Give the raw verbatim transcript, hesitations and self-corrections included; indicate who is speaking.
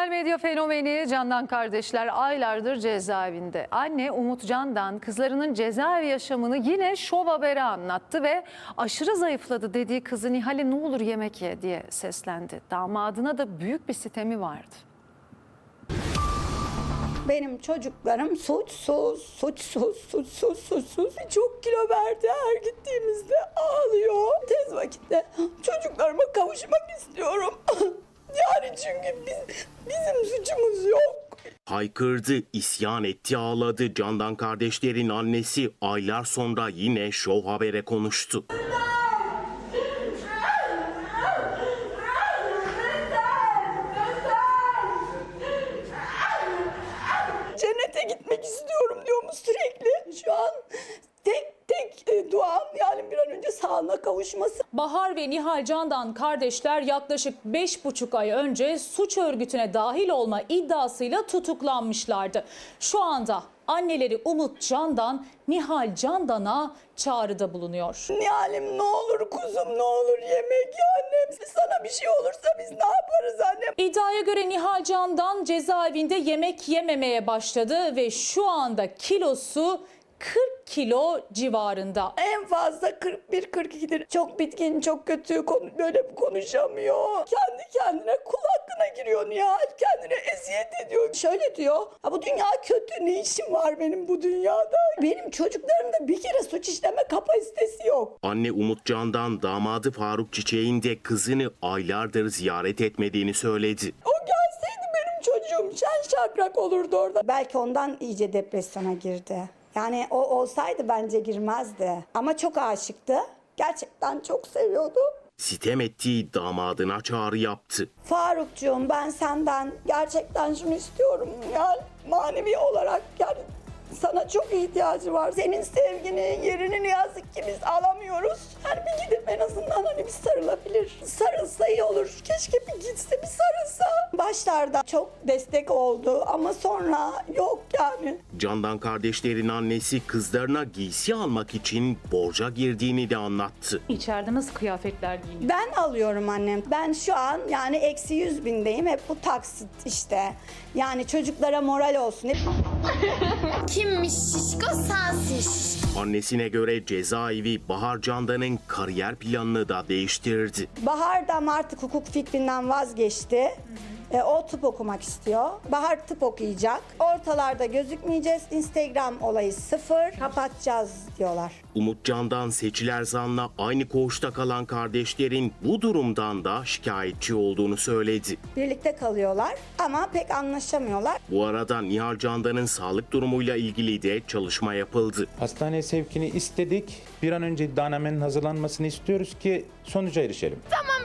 Speaker 1: Sosyal medya fenomeni Candan kardeşler aylardır cezaevinde. Anne Umut Candan kızlarının cezaevi yaşamını yine Şov Haber'e anlattı ve aşırı zayıfladı dediği kızı Nihal'e ne olur yemek ye diye seslendi. Damadına da büyük bir sitemi vardı.
Speaker 2: Benim çocuklarım suçsuz, suçsuz, suçsuz, suçsuz. Çok kilo verdi, her gittiğimizde ağlıyor. Tez vakitte çocuklarıma kavuşmak istiyorum. Yani çünkü biz, bizim suçumuz yok.
Speaker 3: Haykırdı, isyan etti, ağladı. Candan kardeşlerin annesi aylar sonra yine Şov Haber'e konuştu.
Speaker 2: Cennete gitmek istiyorum diyormuş sürekli. Şu an tek tek e, duam yani bir an önce sağlığına kavuşması.
Speaker 4: Bahar ve Nihal Candan kardeşler yaklaşık beş buçuk ay önce suç örgütüne dahil olma iddiasıyla tutuklanmışlardı. Şu anda anneleri Umut Candan, Nihal Candan'a çağrıda bulunuyor.
Speaker 2: Nihal'im ne olur kuzum ne olur yemek ya annem. Sana bir şey olursa biz ne yaparız annem?
Speaker 4: İddiaya göre Nihal Candan cezaevinde yemek yememeye başladı ve şu anda kilosu kırk kilo civarında.
Speaker 2: En fazla kırk bir kırk ikidir. Çok bitkin, çok kötü, konu, böyle konuşamıyor. Kendi kendine kul hakkına giriyor Nihal. Kendine eziyet ediyor. Şöyle diyor, ha bu dünya kötü, ne işim var benim bu dünyada? Benim çocuklarımda bir kere suç işleme kapasitesi yok.
Speaker 3: Anne Umut Candan damadı Faruk Çiçek'in de kızını aylardır ziyaret etmediğini söyledi.
Speaker 2: O gelseydi benim çocuğum şen şakrak olurdu orada. Belki ondan iyice depresyona girdi. Yani o olsaydı bence girmezdi. Ama çok aşıktı. Gerçekten çok seviyordu.
Speaker 3: Sitem ettiği damadına çağrı yaptı.
Speaker 2: Farukcuğum ben senden gerçekten şunu istiyorum. Yani manevi olarak yani sana çok ihtiyacı var. Senin sevgini, yerini ne yazık ki biz alamıyoruz. Yani bir gidip en azından hani bir sarılabilir. Sarılsa iyi olur. Keşke bir gitse bir sarılsa. Başlarda çok destek oldu ama sonra yok yani.
Speaker 3: Candan kardeşlerin annesi kızlarına giysi almak için borca girdiğini de anlattı.
Speaker 4: İçeride nasıl kıyafetler giyiniyor?
Speaker 2: Ben alıyorum annem. Ben şu an yani eksi yüz bindeyim. Hep bu taksit işte. Yani çocuklara moral olsun. Hep...
Speaker 5: Kimmiş şişko sensin şişko.
Speaker 3: Annesine göre cezaevi Bahar Candan'ın kariyer planını da değiştirdi.
Speaker 2: Bahar da ama artık hukuk fikrinden vazgeçti. E, o tıp okumak istiyor. Bahar tıp okuyacak. Ortalarda gözükmeyeceğiz. Instagram olayı sıfır. Kapatacağız diyorlar.
Speaker 3: Umut Candan Seçil Erzan'la aynı koğuşta kalan kardeşlerin bu durumdan da şikayetçi olduğunu söyledi.
Speaker 2: Birlikte kalıyorlar ama pek anlaşamıyorlar.
Speaker 3: Bu arada Nihal Candan'ın sağlık durumuyla ilgili de çalışma yapıldı.
Speaker 6: Hastaneye sevkini istedik. Bir an önce iddianamenin hazırlanmasını istiyoruz ki sonuca erişelim.
Speaker 5: Tamam